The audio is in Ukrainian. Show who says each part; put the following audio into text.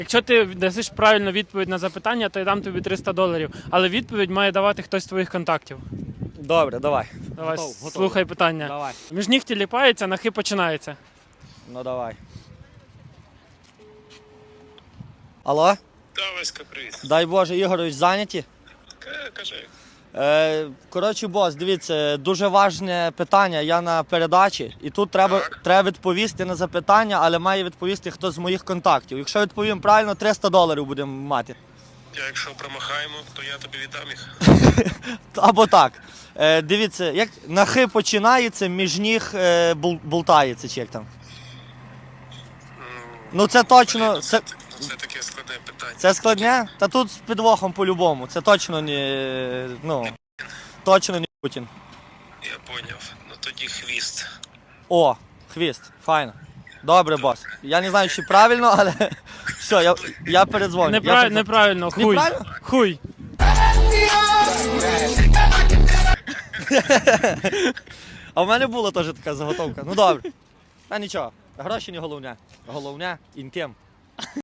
Speaker 1: Якщо ти дасиш правильну відповідь на запитання, то я дам тобі $300. Але відповідь має давати хтось з твоїх контактів.
Speaker 2: Добре, давай.
Speaker 1: Давай,
Speaker 2: Готов.
Speaker 1: слухай питання.
Speaker 2: Давай.
Speaker 1: Між ніг тіліпається, на хи починається.
Speaker 2: Ну давай. Алло?
Speaker 3: Да, Васька, привіт.
Speaker 2: Дай Боже, Ігорович, зайняті?
Speaker 3: Кажи.
Speaker 2: Коротше, бос, дивіться, дуже важне питання, я на передачі, і тут треба відповісти на запитання, але має відповісти хтось з моїх контактів. Якщо відповім правильно, $300 будемо мати.
Speaker 3: Якщо промахаємо, то я тобі віддам їх.
Speaker 2: Або так. Дивіться, як на хи починається, між ніг болтається, чи як там. Ну це точно, це
Speaker 3: таке складне питання.
Speaker 2: це складне? Та тут з підвохом по-любому, це точно не, точно не Путін.
Speaker 3: Я поняв. Ну тоді хвіст.
Speaker 2: О, хвіст, файно. Добре, бос. Я не знаю, чи правильно, але все, я передзвоню.
Speaker 1: Неправильно, хуй.
Speaker 2: Неправильно?
Speaker 1: Хуй.
Speaker 2: А в мене була теж така заготовка. Ну добре. Та нічого, гроші не головне. Головне інтим.